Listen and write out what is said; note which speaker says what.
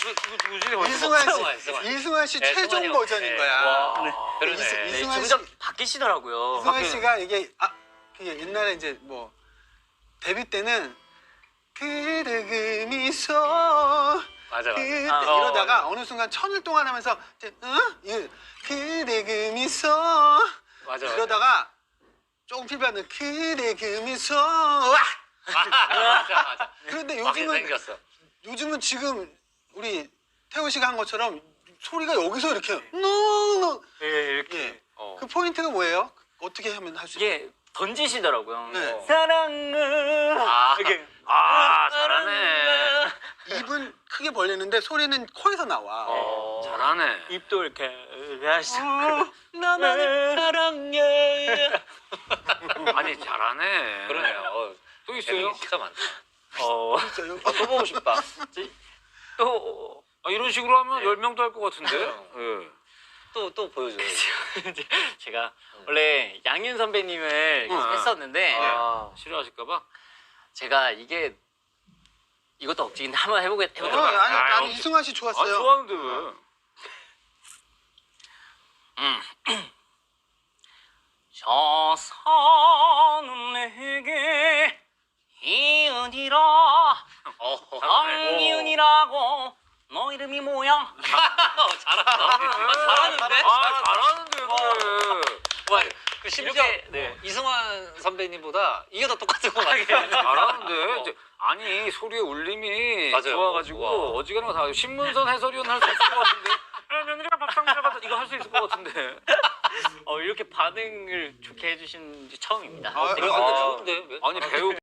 Speaker 1: 누구지?
Speaker 2: 이승환 씨
Speaker 3: 네,
Speaker 2: 최종
Speaker 3: 승환이 형.
Speaker 2: 버전인
Speaker 3: 네.
Speaker 2: 거야.
Speaker 1: 와.
Speaker 3: 네, 그러네.
Speaker 2: 이승환 씨,
Speaker 1: 점점 바뀌시더라고요.
Speaker 2: 이승환 씨가 이게 그게 옛날에 이제 뭐 데뷔 때는 그대 그 미소
Speaker 3: 맞아.
Speaker 2: 그때
Speaker 1: 아,
Speaker 2: 이러다가
Speaker 1: 맞아.
Speaker 2: 어느 순간 천일 동안 하면서 이제 그대 그 미소
Speaker 3: 맞아.
Speaker 2: 이러다가 조금 필요하는 그대 그 미소
Speaker 3: 맞아.
Speaker 2: 그런데
Speaker 3: 맞게
Speaker 2: 요즘은
Speaker 3: 생겼어.
Speaker 2: 지금 우리 태호 씨가 한 것처럼 소리가 여기서 이렇게 노
Speaker 1: 예, 이렇게.
Speaker 2: 예. 그 포인트가 뭐예요? 어떻게 하면 할 수 있어요?
Speaker 1: 이게 던지시더라고요.
Speaker 2: 네.
Speaker 1: 사랑을. 이렇게.
Speaker 4: 잘하네.
Speaker 2: 입은 크게 벌리는데 소리는 코에서 나와.
Speaker 4: 잘하네.
Speaker 1: 입도 이렇게 하시고.
Speaker 3: 나만의 사랑해.
Speaker 4: 아니 잘하네.
Speaker 3: 그러네요.
Speaker 4: 또 있어요?
Speaker 3: 기가 많다.
Speaker 2: 진짜요?
Speaker 3: 또 보고 싶다.
Speaker 1: 또
Speaker 4: 이런 식으로 하면
Speaker 3: 네.
Speaker 4: 10명도 할 것 같은데.
Speaker 3: 네. 또 보여줘요.
Speaker 1: 이제 제가 원래 양윤 선배님을 계속 했었는데
Speaker 4: 싫어하실까봐?
Speaker 1: 제가 이것도 억지인데 한번 해보도록
Speaker 2: 아니 이승환 씨 좋았어요.
Speaker 4: 좋아하는데 왜?
Speaker 1: 저 산은 내게 이은이라 강이은이라고 너 이름이 뭐야?
Speaker 3: 잘하는데?
Speaker 4: 잘하는데 왜?
Speaker 3: 그 심지어
Speaker 1: 네.
Speaker 3: 이승환 선배님보다 이게 더 똑같은 거 같아요.
Speaker 4: 잘하는데 이제 아니 소리의 울림이
Speaker 3: 맞아요.
Speaker 4: 좋아가지고
Speaker 3: 와.
Speaker 4: 어지간한 거 다 신문선 해설위원 할 수 있을 것 같은데 며느리가 밥상 잡아서 이거 할 수 있을 것 같은데
Speaker 1: 이렇게 반응을 좋게 해주신 게 처음입니다.
Speaker 2: 아,
Speaker 1: 되게
Speaker 2: 그래서
Speaker 3: 좋은데? 왜?
Speaker 4: 아니 배우